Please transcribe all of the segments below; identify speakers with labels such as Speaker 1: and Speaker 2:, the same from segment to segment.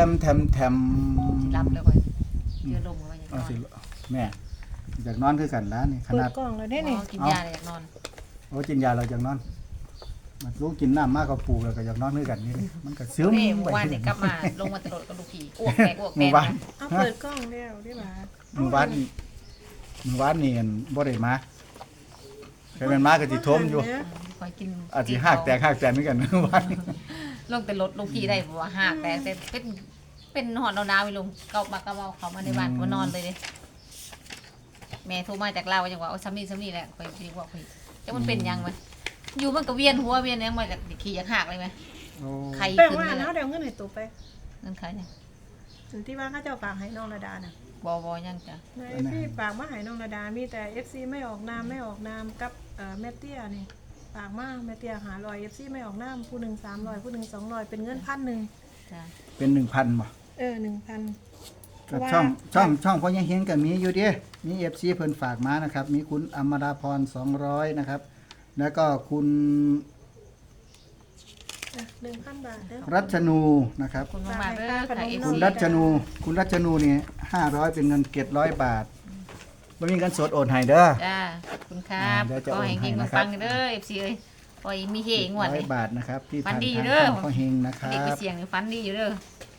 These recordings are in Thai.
Speaker 1: สิรับแล้วค่อยเจอลมก็ยังนอน
Speaker 2: สิแม่อยากนอนคือกันแล้วนี่ข
Speaker 3: เปิ
Speaker 2: นา
Speaker 3: ด
Speaker 2: ด
Speaker 3: กล้องแล้วได้นี่
Speaker 1: กินยาเลยอยากนอน
Speaker 2: โอ้กินยาเราอยากนอนมันรู้กินน้ำมากกว่าปูแล้วก็อยากนอนคือกันนี่มันก็ซึม
Speaker 1: เอ้ย
Speaker 2: ไป
Speaker 1: วันนี้กลับมาลงมาตลอดกระดูกผีอ้วกแตก
Speaker 2: หมู่บ้าน
Speaker 3: เอาเปิดกล้องแล้วได้บ่า
Speaker 2: หมู่บ้านนี่บ่ได้มาใครเป็นมาก็สิทมอยู่
Speaker 1: คอยกิน
Speaker 2: อาจสิหักแตกเหมือนกันหมู่บ้านนี่
Speaker 1: ลงแต่รถลูกผีได้บ่ว่าหักแตกแต่เป็นหอดดาวๆไปลงเกามาเขามาในบ้านมานอนเลยเด้แม่โทรมาจากลาวจังว่าเอาซ้ำนี่แหละคอยสิบอกพี่จังมันเป็นยังมั้ยอยู่มันก็เวียนหัวเวียนยังมาจากขี้อยากหักเลยมั้ย
Speaker 2: โอ้
Speaker 1: ใคร
Speaker 3: แป้ง
Speaker 1: ขึ้น
Speaker 3: ว่า
Speaker 1: เลย
Speaker 3: เนาะ
Speaker 1: นะ
Speaker 3: เดี๋ยวเงินให้ตัวไป
Speaker 1: นั่นใครเนี่ย
Speaker 3: ถึงที่ว่าเขาเจ้าฝากให้น้องระดาน่ะ
Speaker 1: บ่ยังจ้ะ
Speaker 3: ในพี่ฝากมาให้น้องระดามีแต่ FC ไม่ออกนามกับแม่เตี้ยนี่ฝากมาแม่เตี้ย500 FC ไม่ออกนามผู้หนึง300ผู้หนึง200เป็นเงิน1,000
Speaker 1: จ้ะ
Speaker 2: เป็น 1,000บ่
Speaker 3: 1,000
Speaker 2: ก็ช่องพ่อยังเห็นก็มีอยู่เด้มี FC เพิ่นฝากมานะครับ มีคุณอมราพร200นะครับแล้วก็คุณ
Speaker 3: 1,000 บาทเด้อ
Speaker 2: รัชนูนะครับ
Speaker 1: คุณมากๆเด้อค่ะ
Speaker 2: คุณ
Speaker 1: FC
Speaker 2: รัชนูนี่500เป็นเงิน700บาทบ่มีเงินสดโอนให้เด้อ
Speaker 1: จ้าขอบคุณครับ
Speaker 2: เดี๋ยวจะ
Speaker 1: ก็
Speaker 2: โอน
Speaker 1: ให้
Speaker 2: ให้
Speaker 1: เฮง
Speaker 2: นะ
Speaker 1: มา
Speaker 2: ครับ
Speaker 1: ฟังเด้อ FC เอ้ยปล่อยมีเฮงหวดเลย
Speaker 2: 100บาทนะครับที่
Speaker 1: ฟัน
Speaker 2: ทาง
Speaker 1: ดี
Speaker 2: ทาง
Speaker 1: เด้อ
Speaker 2: ช่องพ่อเฮงนะครั
Speaker 1: เด็กไป
Speaker 2: บ
Speaker 1: เสียงนี่ฟันดีอยู่เด้อบ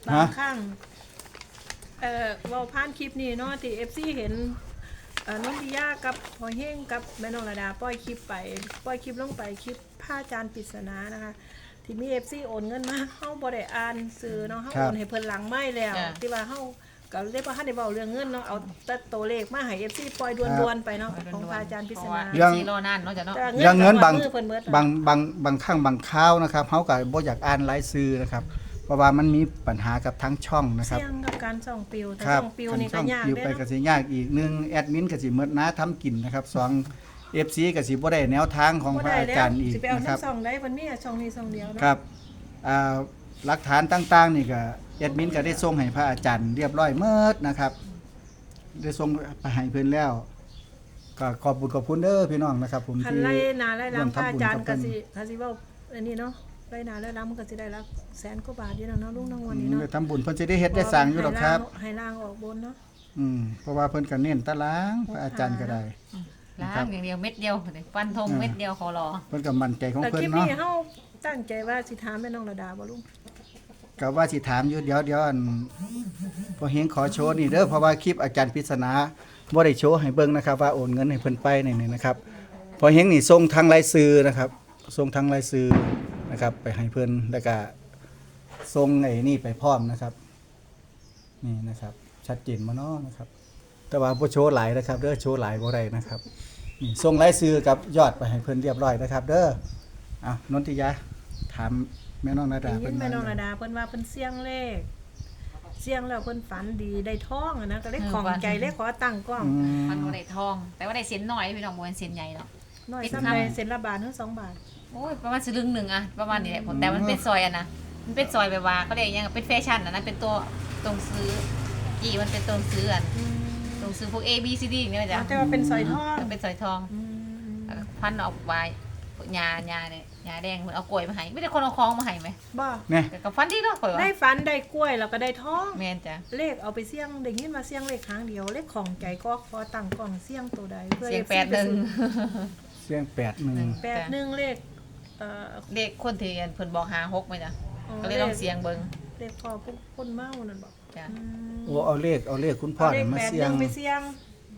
Speaker 3: างครั้งเว้าผ่านคลิปนี้เนาะที่ FC เห็นน้องดิยากับพอเฮงกับแม่น้องระดาปล่อยคลิปลงไปคลิปผ้าจานปริศนานะคะที่มี FC โอนเงินมาเฮาบ่ได้อ่านสื่อเนาะเฮาโอนให้เพิ่นหลังไม้แล้วที่ว่าเฮาก็เลยบ่ทันได้เว้าเรื่องเงินเนาะเอาแต่ตัวเลขมาให้ FC ปล่อยด่วนๆไปเนาะของพระอาจารย์ปริ
Speaker 1: เพ
Speaker 3: ศ
Speaker 1: ราะ
Speaker 3: นา
Speaker 1: ว่า FC รอนานเนาะจ้ะเนาะ
Speaker 3: แต่
Speaker 2: อย่างเงินบาง
Speaker 3: มือเพิ่นเบิด
Speaker 2: บางครั้งบางคราวนะครับเฮาก็บ่อยากอ่านรายชื่อนะครับเพราะว่ามันมีปัญหากับทั้งช่องนะครับ
Speaker 3: เสี่ยงกับการส่องปิวแต่
Speaker 2: ครับ
Speaker 3: ส่องปิวนี่
Speaker 2: ช่
Speaker 3: ก็
Speaker 2: อง
Speaker 3: ยาก
Speaker 2: ปิว
Speaker 3: เด้
Speaker 2: ไป
Speaker 3: เนาะ
Speaker 2: ก็สิยากอีกหนึ่งแอดมินก็สิหมดหน้าทำกินนะครับสอง FC ก็สิบ่ได้แนวทางของ
Speaker 3: บ่
Speaker 2: พระ
Speaker 3: ได้
Speaker 2: อา
Speaker 3: แล้ว
Speaker 2: จารย์อีก
Speaker 3: สิไปเอา
Speaker 2: นะครับ
Speaker 3: ทั้งสองได้เพิ่นมีช่องนี้ช่องเดียวเนาะ
Speaker 2: ครับหลักฐานต่างๆนี่ก็แอดมินก็ได้ส่งให้พระอาจารย์เรียบร้อยเมิดนะครับ ได้ส่งไปให้เพิ่นแล้ว ก็ขอบคุณเด้อพี่น้องนะครับ ผม
Speaker 3: คัน
Speaker 2: ที่
Speaker 3: ไล่นาไล่
Speaker 2: ร่วม
Speaker 3: ลำพระ
Speaker 2: ทำบุญ
Speaker 3: อาจาร
Speaker 2: กั
Speaker 3: ย์
Speaker 2: บ
Speaker 3: ก็
Speaker 2: เพิ่น
Speaker 3: สิเว้าอันนี้เนาะไล่นาไล่ลำมันก็สิได้ละแสนกว่าบาทอยู่แล้วเนาะลุงทั้งวันนี้เนาะ
Speaker 2: ได้ทำบุญเพิ่นสิได้เฮ็ดได้สร้างอยู่ดอกครับ
Speaker 3: ให้ล่างออกบนเนาะ
Speaker 2: เพราะว่าเพิ่นก็เน้นตารางพระอาจารย์ก็ได้
Speaker 1: ล้างอย่างเดียวเม็ดเดียวฟันธงเม็ดเดียวขอรอ
Speaker 2: เพิ่นก็มั่นใจของ
Speaker 3: แต่
Speaker 2: เพิ่
Speaker 3: คน ลิป
Speaker 2: เนาะ
Speaker 3: นี้เฮาตั้งใจว่าสิถามแม่น้องระดาบ่ลุง
Speaker 2: ก็ว่าสิถามอยู่เดี๋ยวอันพอเฮงขอโชว์นี่เด้อเพราะว่าคลิปอาจารย์ปริศนาบ่ได้โชว์ให้เบิ่งนะครับว่าโอนเงินให้เพิ่นไปนี่นะครับพอเฮงนี่ส่งทางรายชื่อนะครับส่งทางรายชื่อนะครับ ไปให้เพิ่นแล้วก็ส่งไอ้นี่ไปพร้อมนะครับนี่นะครับ ชัดเจนบ่เนาะนะครับ แต่ว่าบ่โชว์หลายนะครับเด้อโชว์หลายบ่ได้นะครับนี่ส่งรายชื่อกับยอดไปให้เพิ่นเรียบร้อยนะครับ เด้ออ่ะนนทิยาถามแม่น้องนาดา
Speaker 3: ได้ยิ
Speaker 2: เพิ่
Speaker 3: น
Speaker 2: น
Speaker 3: แม่น้อง
Speaker 2: ว่า
Speaker 3: ระดาเพิ่นว่าเพิ่นเสี่ยงเลขเสี่ยงแล้วเพิ่นฝันดีได้ทองอะนะก็เลยของใจเลยขอตั้งกล้อง
Speaker 1: มันบ่ได้ทอง แต่ว่าได้เส้นน้อยพี่น้องบ่เป็นเส้นใหญ่เนาะ
Speaker 3: น้อย
Speaker 1: เป็น
Speaker 3: ซ้ำ
Speaker 1: คำ
Speaker 3: ใดเซ็นละบาทถึง2 บาท
Speaker 1: โอ้ยประมาณสลึงหนึงอะประมาณนี้แหละแต่มันเป็นซอยอะนะมันเป็นซอยแบบว่าเขาเรียกยังเป็นแฟชั่นอะนะเป็นตัวตรงซื้อกี่มันเป็นตรงซื้ออันตรงซื้อพวก A B C D อย่างเงี้ยจ้ะ
Speaker 3: แต่ว่าเป็นสอยทอง
Speaker 1: มันเป็นซอยทอง
Speaker 3: อืม
Speaker 1: พันออกไว้ยาเนี่ยยาแดงเหมือนเอากล้วยมาให้ไม่ได้คนเอาของมาให้ไหม
Speaker 3: บ่
Speaker 2: เนี่ย
Speaker 1: แต่ก็ฟันดีเนาะข่อยว่า
Speaker 3: ได้ฝันได้กล้วยแล้วก็ได้ทอง
Speaker 1: แม่นจ้ะ
Speaker 3: เลขเอาไปเสี่ยงได้ยินมาเสี่ยงเลขครั้งเดียวเลขของใจก็ขอตั้งกล้องเสี่ยงตัวใดเพื่อ
Speaker 1: เสียง
Speaker 3: FC
Speaker 1: แปดหนึ่ง
Speaker 2: เสียง8 1
Speaker 3: 81เลข
Speaker 1: เลขคนที่เพิ่นบอก56ไหมจ้ะ
Speaker 3: อ๋อ
Speaker 1: ก็เลยลองเสียงเบิ่ง
Speaker 3: เลขพ่อผู้คนเมานั่นบอก
Speaker 1: จ้ะ
Speaker 2: โอ้เอาเลขคุณพ่อ
Speaker 3: เล
Speaker 2: น่ะ
Speaker 3: ข
Speaker 2: มา
Speaker 3: แปด
Speaker 2: เสี่
Speaker 3: ห
Speaker 2: ยง
Speaker 3: นึ่งไปเสี่ยง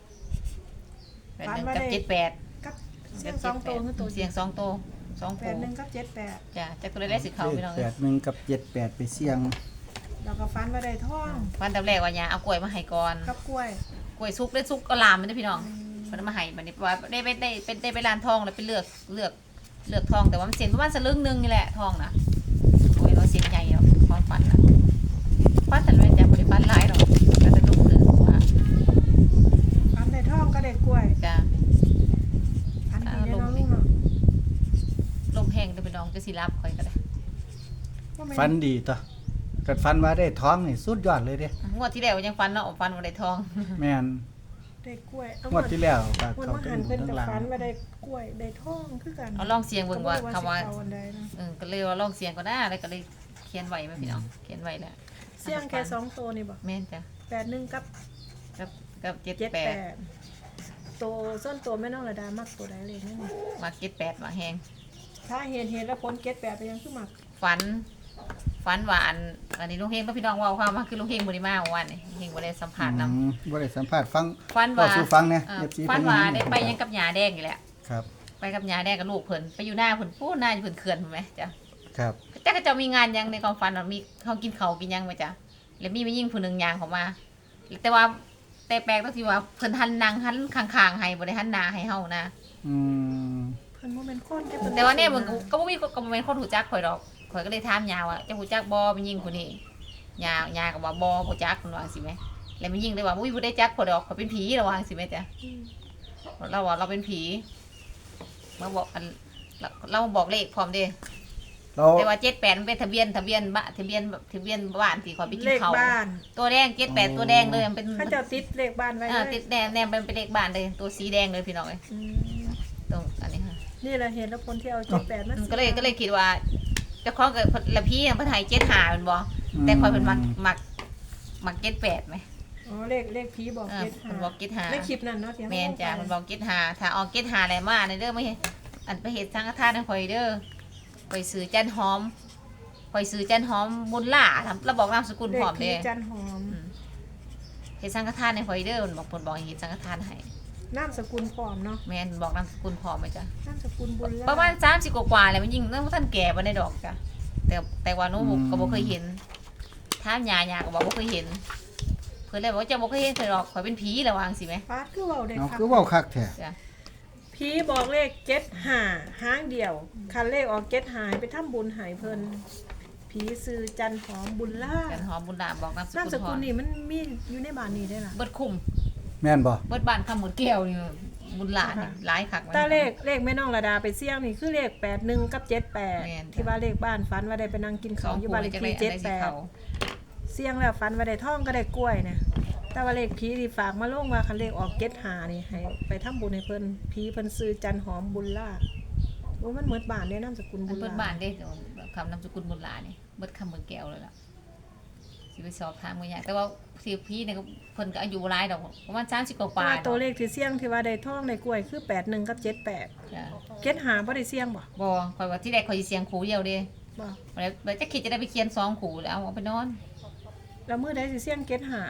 Speaker 1: 81กับ78
Speaker 3: กับเสี่ยง2ตัวคือตัว
Speaker 1: เสียง2ตัว2
Speaker 3: 81
Speaker 1: ตัว
Speaker 3: กับ78
Speaker 1: จ้ะจักตัวได้สิเข้าพี่น้อง
Speaker 2: 81กับ78ไปเสี่ยง
Speaker 3: แล้วก็ฝันว่าได้ทอง
Speaker 1: ฟันตำแรกว่ายาเอากล้วยมาให้ก่อน
Speaker 3: กับกล้วย
Speaker 1: กล้วยสุกได้สุกก็ลามมันเด้อพี่น้องเพิ่นเอามาให้บัดนี้ว่าได้ไปร้านทองแล้วไปเลือกทองแต่ว่ามันเส้นประมาณสลึงนึงนี่แหละทองนะโอ้ยเราเส้นใหญ่เนาะความฝันน่ะฝันแต่ไม่จ้ะบ่ได้ฝันหลายดอกก็จะลุกตื่นว่า
Speaker 3: ฝันได้ทองก็ได้กล้วย
Speaker 1: จ้ะ
Speaker 3: ฝันดีแน่นอนลูกเนาะ
Speaker 1: ลมแห้งเด้อพี่น้องจะสิรับข่อยก็ได้
Speaker 2: ฟันดีต่อกัดฟันว่าได้ท้องนี่สุดยอดเลยเด้
Speaker 1: งวดที่แล้วยังฝันเนาะฝันว่าได้ทอง
Speaker 2: แม่น
Speaker 3: ได้กล้วย
Speaker 2: งวดที่แล้วก็
Speaker 3: วัน
Speaker 2: เขา
Speaker 3: ว่า
Speaker 2: เป็
Speaker 3: หั
Speaker 2: น
Speaker 3: นเพิ่น
Speaker 2: ทั้ง
Speaker 3: จะ
Speaker 2: หลัง
Speaker 3: ฝันว่าได้กล้วยได้ทองคือกัน
Speaker 1: เอาลองเสียงเบิ่งว่าคำว่า
Speaker 3: สิเออันใดนะ
Speaker 1: ก็เลยว่าลองเสียงก็ได้แล้วก็เลยเขียนไว้ไหมพี่น้องเขียนไว้แล้ว
Speaker 3: เสี่ยงแค่2ตัวนี่บ่
Speaker 1: แม่นจ้ะ
Speaker 3: 81กับ
Speaker 1: กับ78
Speaker 3: ตัวส้นตัวแม่น้องระดามักตัวใดเลยนี่
Speaker 1: มา78มาแฮง
Speaker 3: ถ้าเห็นแล้วผล78ไปยังคือมัก
Speaker 1: ฝันว่าอันนี้ลุงเฮงต้องพี่น้องเว่าความว่าคือลุงเฮงบ่ได้มาเมื่อวานนี่เฮงบ่ได้สัมภาษณ์นำ
Speaker 2: บ่ได้สัมภาษณ์ฟัง
Speaker 1: ฝันว่า
Speaker 2: สู่ฟังเนี่ย FC
Speaker 1: ฝันว่าได้ไป
Speaker 2: เพิ่น
Speaker 1: ยังกับหญ้าแดงนี่แหละ
Speaker 2: ครับ
Speaker 1: ไปกับหญ้าแดงกับลูกเพิ่นไปอยู่หน้าเพิ่นพูดหน้าอยู่เพิ่นเขื่อนพุ่นแหมจ้ะ
Speaker 2: ครับ
Speaker 1: แต่ก็จะมีงานหยังในความฝันว่ามีเขากินข้าวกินหยังไหมจ้ะแล้วมียิ่งผู้หนึงย่างเข้ามา แต่ว่าแต่แปลกตรงที่ว่าเพิ่นหันนางหันข้างๆให้บ่ได้หันหน้าให้เฮานะ
Speaker 2: อืม
Speaker 3: เพิ่นบ่แม่นคนเด้เพิ่น
Speaker 1: แต่ว่าเนี่ยมันก็บ่มีก็บ่แม่นคนรู้จักข่อยดอกข่อยก็เลยถามยาว่าเจ้ารู้จักบ่มียิ่งผู้นี้ยาก็ว่าบ่รู้จักเพิ่นว่าจังซี่แหมแล้วมียิ่งเลยว่าอุ้ยบ่ได้จักข่อยดอกข่อยเป็นผีระว่าจังซี่แหมจ้ะ
Speaker 3: อืม
Speaker 1: เราว่าเราเป็นผีมาบอกเราบอกเลขพร้อมเด้
Speaker 2: เรา
Speaker 1: แต่ว่า78มันเป็นทะเบียนบ้านที่ข่อยไปกิน
Speaker 3: เลข
Speaker 1: ข้าว
Speaker 3: บ้าน
Speaker 1: ตัวแดง78ตัวแดงเลยมันเป็น
Speaker 3: เขาเจ้าติดเลขบ้านไว้เลย
Speaker 1: ติดแดงเป็นเลขบ้านเลยตัวสีแดงเลยพี่น้องเอ้ย
Speaker 3: อืม
Speaker 1: ตรงอันนี้ค่ะ
Speaker 3: นี่แหละเห็นแล้วผลที่เอา78มา
Speaker 1: ก็เลยคิดว่าเจ้าของกับละพี่เพิ่นให้75เป็นบ่แต่ข่อยเพิ่นมัก78มั้ย
Speaker 3: อ๋อเลขผีบอก
Speaker 1: เพิ่นบอก
Speaker 3: 75ในคลิปนั้นเนาะที่
Speaker 1: แม่นจ้ะเพิ่นบอก75ถ้าออก75ได้มาเด้อไม่อันไปเฮ็ดสังฆทานให้ข่อยเด้อข่อยซื้อจันหอมบุญล่าทำแล้วบอกนามสกุลพร้อม
Speaker 3: เล
Speaker 1: เด้
Speaker 3: ขผีจันหอม
Speaker 1: เฮ็ดสังฆทานให้ข่อยเด้อเพิ่นบอกให้เฮ็ดสังฆทานให้
Speaker 3: นามสกุลพร้อมเนาะ
Speaker 1: แม่นบอกนามสกุลพร้อมไหมจ้ะ
Speaker 3: นามสกุลบุญล่า
Speaker 1: ประมาณ30กว่าๆแล้วมันยิ่งนั่นท่านแก่บ่ได้ดอกจ้ะแต่ว่าหนูก็บ่เคยเห็นถามยาก็บอกบ่เคยเห็นเพิ่นเลยบอกว่าเจ้าบ่เคยเห็นเพิ่นหรอกข่อยเป็นผีแล้วว่าจังซี่แหม
Speaker 3: ฟาดคือเว้าได้
Speaker 2: เอา
Speaker 3: ครับ
Speaker 2: คือเว้าคักแท้
Speaker 1: จ้ะ
Speaker 3: ผีบอกเลข75หางเดียวคันเลขออก75ไปทำบุญให้เพิ่นผีซื้อจันหอมบุญล่า
Speaker 1: กันหอมบุญดาบอกนามส
Speaker 3: นาม
Speaker 1: กุล
Speaker 3: ส
Speaker 1: พร้
Speaker 3: กุ
Speaker 1: อ
Speaker 3: ล
Speaker 1: ม
Speaker 3: นี่มันมีอยู่ในบ้านนี้ได้ล่ะ
Speaker 1: เบิดคุ้ม
Speaker 2: แม่นบ่
Speaker 1: เบิดบ้านคำหมดแก้วนี่บุญหลานนี่หลายคัก
Speaker 3: ตาเลขแม่น้องระดาไปเสี่ยงนี่คือเลข81กับ
Speaker 1: แม่น
Speaker 3: 78
Speaker 1: จ้ะ
Speaker 3: ที่ว่าเลขบ้านฝันว่าได้ไปนั่งกิน
Speaker 1: ส
Speaker 3: ข้า
Speaker 1: อ
Speaker 3: ว
Speaker 1: ง
Speaker 3: อยู่
Speaker 1: คู่
Speaker 3: บ้านเล
Speaker 1: นี่
Speaker 3: ข
Speaker 1: จังได๋
Speaker 3: ที่
Speaker 1: อันใดสิเขา
Speaker 3: 78เสี่ยงแล้วฝันว่าได้ทองก็ได้กล้วยนะแต่ว่าเลขผีที่ฝากมาลงว่าคันเลขออก75นี่ให้ไปทำบุญให้เพิ่นผีเพิ่นซื้อจันหอมบุญล่าโอ้มันเหมือนบ้านเด้นามสกุล
Speaker 1: อั
Speaker 3: บุ
Speaker 1: น
Speaker 3: ญ
Speaker 1: เบิด
Speaker 3: ล่า
Speaker 1: บ้านเด้คำนามสกุลบุญหลานนี่เบิดคำหมดแก้วเลยล่ะสิไปสอบถามกันยากแต่ว่าสิพี่เนี่ยเพิ่นก็อายุหลายดอกประมาณ30กว่า
Speaker 3: แต่ว่า
Speaker 1: ๆ
Speaker 3: ตัวเลขที่เสี่ยงที่ว่าได้ทองได้กล้วยคือ81กับ78
Speaker 1: จ้ะ
Speaker 3: 75บ่ได้เสี่ยงบ่
Speaker 1: บ่ข่อยว่าที่แรกข่อยสิเสียงขู่เดียวเด้
Speaker 3: บ่
Speaker 1: แล้วจะคิดจะได้ไปเขียน2ขู่แล้วเอาไปนอน
Speaker 3: แล้วมื้อใดสิเสี่ยง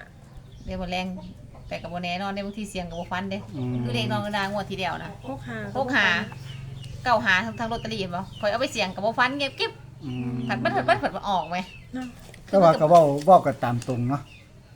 Speaker 3: 75
Speaker 1: เดี๋ยวบ่แรงแต่ก็บ่แน่นอนได้บางทีเสียงก็บ่ฟันเด้
Speaker 2: อืม
Speaker 1: คือเลขน้องกระดางวดทีเดียวนะ
Speaker 3: 65
Speaker 1: พกหาเก้าหาทั้งลอตเตอรี่บ่ข่อยเอาไปเสียงก็บ่ฟันเก็บกิ๊บ
Speaker 2: อืม
Speaker 1: ผัดมันออกไหม
Speaker 3: เนาะ
Speaker 2: แต่ว่าก็เว้ากันตามตรงเนาะ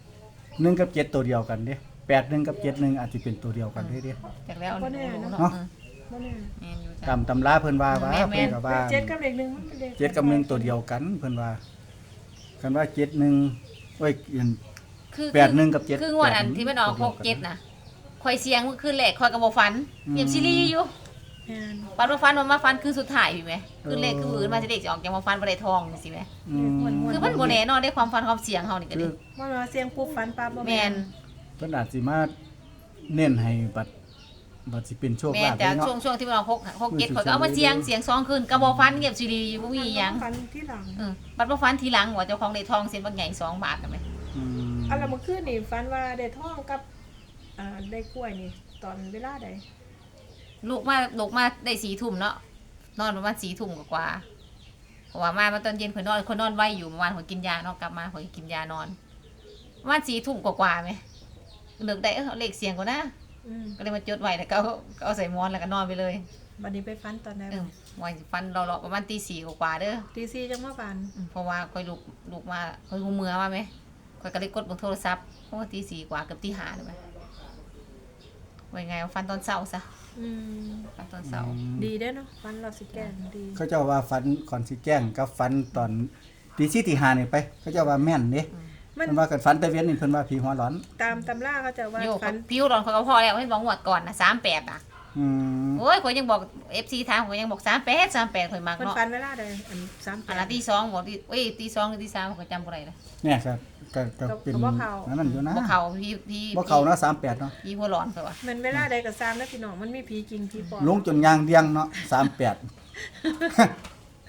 Speaker 2: 1กับ7ตัวเดียวกันเด้81กับ71อาจสิเป็นตัวเดียวกันเด้เด้
Speaker 1: จากแล้ว
Speaker 3: บ่แน่เนาะ
Speaker 2: เนาะ
Speaker 3: บ่แน่
Speaker 1: แม่นอยู่จ้ะ
Speaker 2: ตามตำราเพิ่นว่าว่า
Speaker 1: แม่น
Speaker 2: เพิ่นก็ว่า
Speaker 3: เจ็ดกับเลขหนึ่งมันเป็นเลข
Speaker 2: 7กับ1ตัวเดียวกันเพิ่นว่ากันว่า71โอ้ยอัน
Speaker 1: คือ
Speaker 2: 81กับ7
Speaker 1: คืองวดอันที่มันออก67น่ะข่อยเสียงคืนแรกข่อยก็บ่ฟันเงียบซีรีส์อยู่
Speaker 3: แม่น
Speaker 1: ปันบ่ฟันมันมาฟันคือสุดท้ายอยู่ไหมคือเลขคืออื่นมาสิเลขสิออกจังมาฟันบ่ได้ทองจังซี่แหม
Speaker 2: อืม
Speaker 1: คือมันบ่แน่นอนได้ความฟันความเสียงเฮานี่ก็
Speaker 2: คื
Speaker 1: ดิ
Speaker 2: อ
Speaker 3: ว่าเราเสียงปุ๊บฝันปั๊บบ่
Speaker 1: แม่น
Speaker 2: เพิ่นอาจสิมาเน้นให้บัดสิเป็นโชค
Speaker 1: แม่
Speaker 2: ลาน ภ
Speaker 1: จ้ะ
Speaker 2: เนาะ
Speaker 1: ช่วงที่มันออก67ข่อยก็เอามาเสียงซองคืนก็บ่ฟันเงียบซีรีส์อยู่บ่มีหยัง
Speaker 3: ฝันที่หลัง
Speaker 1: บัดบ่ฟันทีหลังว่าเจ้าของได้ทองเส้นบางใหญ่2 บาทนั่นแหม
Speaker 2: อืม
Speaker 3: อันละเมื่อคืนนี่ฝันว่าได้ทองกับได้กล้วยนี่ตอนเวลาใด
Speaker 1: ลูกมาได้4 ทุ่มเนาะนอนประมาณ4 ทุ่มกว่าๆเพราะว่ามาตอนเย็นข่อยนอนไวอยู่เมื่อวานข่อยกินยาเนาะกลับมาข่อยกินยานอนประมาณ4 ทุ่มกว่าๆมั้ยนึกได้เอาเลขเสียงก่อนนะ
Speaker 3: อืม
Speaker 1: ก็เลยมาจดไว้แล้วก็เอาใส่หมอนแล้วก็นอนไปเลย
Speaker 3: บัดนี้ไปฝันตอนไหน
Speaker 1: ไว้ฟันเราๆประมาณตี 4กว่าๆเด้อ
Speaker 3: ตี4จังมาฝัน
Speaker 1: เพราะว่าข่อยลูกมาข่อยหูเมื่อมามั้ยข่อยก็เลยกดเบิ่งโทรศัพท์เพราะว่าตี 4กว่าเกือบตี 5แล้วมั้ยไว้ไงเอาฟันตอนเช้าซะ
Speaker 3: อืม
Speaker 1: ฟันตอนเช้า
Speaker 3: ดีเด้อเนาะฝันเราสิแก่นดี
Speaker 2: เขาเจ้าว่าฝันก่อนสิแจ้งกับฝันตอนตี4ตี5นี่ไป เขาเจ้าว่าแม่นเด้
Speaker 3: มัน
Speaker 2: เพิ่นว่ากันฝันแต่เวียนนี่เพิ่นว่าผีหัวร้อน
Speaker 3: ตามตำราเขาจะว่า
Speaker 1: โยก
Speaker 3: ฝัน
Speaker 1: ผิวร้อนเขาก็พอแล้วเห็นบอกงวดก่อนน่ะ38น่ะ
Speaker 2: อืม
Speaker 1: โอ้ยข่อยยังบอก FC ถามข่อยยังบอก38ข่อยมัก
Speaker 3: เพิ่น
Speaker 1: เนาะ
Speaker 3: ฝันเวลาใดอัน
Speaker 1: อันละ
Speaker 3: 38
Speaker 1: ตี2บอกตี2หรือตี3ข่อยจำบ่ได้เลย
Speaker 2: เนี่ยครับก็เป็น
Speaker 3: ก็บ่เข้า
Speaker 2: นั่นอยู่นะ
Speaker 1: บ่เข้าพี่
Speaker 2: บ่เข้าเนาะ38เนาะ
Speaker 1: พี่หัวร้อนข่อยว่า
Speaker 3: มันเวลาใดก็ตามนะพี่น้องมันมีผีจริงผีปลอม
Speaker 2: ลงจนยางเดียงเนาะ38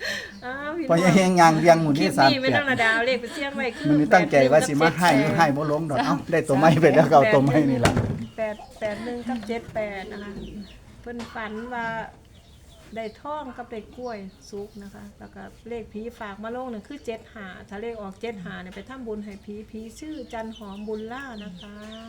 Speaker 3: อ้าวพี่
Speaker 2: พอยังเฮงยางเรียงหมู่
Speaker 3: คลิ
Speaker 2: ที่
Speaker 3: ปนี้ไม่ต้องระดาวเลขไปเสี่ยงไว้คือ
Speaker 2: มันนี่ตั้งใจว่าสิมาให้อยู่ให้บ่ลงดอกเอ้าได้ตัวไม้ไปแล้วก็เอาตัวไม้นี่ล่ะ
Speaker 3: 881กับ78นะคะเพิ่นฝันว่าได้ท่องกับได้กล้วยสุกนะคะแล้วก็เลขผีฝากมาลงนั่นคือ75ถ้าเลขออก75เนี่ยไปทำบุญให้ผีชื่อจันหอมบุญล่านะคะ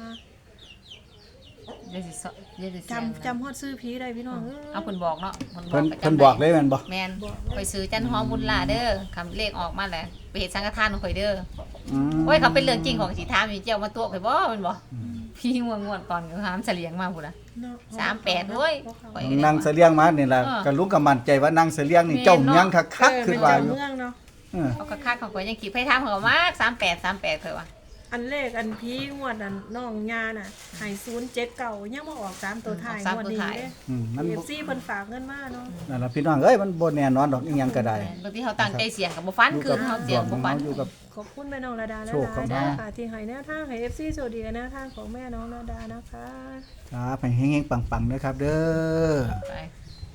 Speaker 1: เดี๋ยวสิสเดี๋ยวสิเสียง
Speaker 3: จำฮอดซื้อผีได้พี่น้องเอ้ย
Speaker 1: เอาเพิ่นบอกเนาะ
Speaker 2: เพิ่นบอกเลยแม่นบ่
Speaker 1: แม่นไปซื้อจันหอมบุญลาเด้อคำเลขออกมาแหละไปเฮ็ดสังฆทานของข่อยเด้อ
Speaker 2: อืม
Speaker 1: โอ้ยเขาเป็นเรื่องจริงของสิถามอยู่เจ้ามาตัวข่อยบ่แม่นบ่พี่ง่วงๆก่อนก็หามเสลียงมาพุ่นน่ะ
Speaker 3: เนาะ
Speaker 1: 38เว้ย ข่อยก็ได้
Speaker 2: นางเสลียงมานี่ล่ะ
Speaker 1: เออ
Speaker 2: ก็ลุงก็มั่นใจว่านางเสลียงนี่เจ้าเมียงคักๆคือว่าอยู่
Speaker 3: เมืองเนาะ
Speaker 2: เออ
Speaker 1: เอาคักๆของข่อยยังคิดไผถามเขามาก38เพิ่นว่า
Speaker 3: อันเลขอันพีงวดอันน้องยาน่ะให้079ยังมาออก3ตัวท้ายงวดนี้เด้
Speaker 2: มัน
Speaker 3: เอ
Speaker 2: บ่
Speaker 3: ฟซีเพิ่นฝากเงินมาเนาะ
Speaker 2: นั่นล่ะพี่น้องเอ้ยมันบ่แน่นอนดอกอีหยังก็ได้
Speaker 1: บางทีเขาตั้งใจเสียงก็บ่ฟันคืนเขาเสียงบ่ฟัน
Speaker 2: อยู่กับ
Speaker 3: ขอบคุณแม่น้องระดาและ
Speaker 2: โชค
Speaker 3: ห
Speaker 2: เข้า
Speaker 3: ลาย
Speaker 2: มา
Speaker 3: ๆค่ะที่ให้แนวทางให้ FC สวัสดีกับแนวทางของแม่น้องระดานะคะ
Speaker 2: ครับให้เฮงๆปังๆเด้อครับเด้อ
Speaker 1: ไป